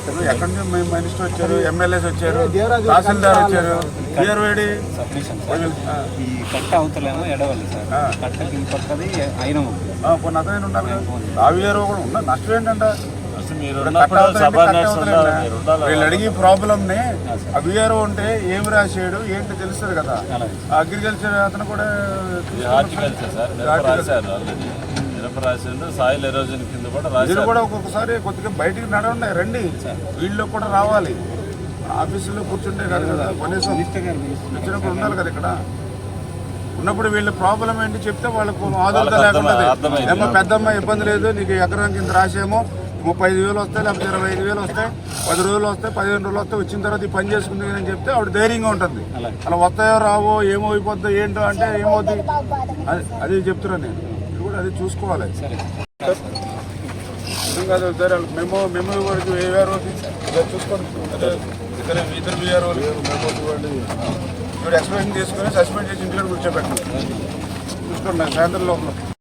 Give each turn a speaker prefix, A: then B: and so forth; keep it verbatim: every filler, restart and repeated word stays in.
A: వచ్చారు, ఎక్కడి నుంచి మేము మినిస్టర్ వచ్చారు, ఎమ్మెల్యేస్ వచ్చారు, తహసీల్దార్ వచ్చారు. క్లియర్ వేడి
B: ఈ కట్ట అవతలేమో ఎడవాలి సార్, కట్టకి ఈ పక్కది అయిన
A: కొన్ని అతనే ఉండాలి కదా. ఆ వీఆర్ఓ కూడా ఉన్నా నష్టం ఏంటంటే వీళ్ళు అడిగి ప్రాబ్లమ్ని ఆ వీఆర్ఓ ఉంటే ఏమి రాసాడు ఏంటి తెలుస్తుంది కదా. అగ్రికల్చర్ అతను కూడా
C: సాయిల్ ఎరోజన్ కింద కూడా
A: మీరు కూడా ఒక్కొక్కసారి కొద్దిగా బయటికి నడవండి, రండి, వీళ్ళు కూడా రావాలి. ఆఫీసులో కూర్చుంటే కాదు కదా, కనీసం వచ్చినప్పుడు ఉండాలి కదా. ఇక్కడ ఉన్నప్పుడు వీళ్ళ ప్రాబ్లం ఏంటి చెప్తే వాళ్ళకు ఆదరణ లేకుండా ఏమో పెద్దమ్మ ఇబ్బంది లేదు, నీకు ఎకరం కింద రాసేమో ముప్పై ఐదు వేలు వస్తాయి, లేకపోతే ఇరవై ఐదు వేలు వస్తాయి, పది రోజులు వస్తాయి, పదిహేను రోజులు వస్తాయి, వచ్చిన తర్వాత ఈ పని చేసుకుంది అని చెప్తే ఆవిడ ధైర్యంగా ఉంటుంది. అలా వస్తాయో రావో ఏమో అయిపోద్దో ఏంటో అంటే ఏమవుద్ది అది అది చెప్తున్నాను నేను. మీరు కూడా అది చూసుకోవాలి. కాదు సరే మేము మేము వరకు వేరు చూసుకోండి. ఇద్దరు ఇద్దరు వేరు ఇప్పుడు ఎక్స్ప్లెయిన్ చేసుకొని సస్పెండ్ చేసి ఇంటికి కూర్చోబెట్టండి. చూసుకోండి సాయంత్రం లోపల.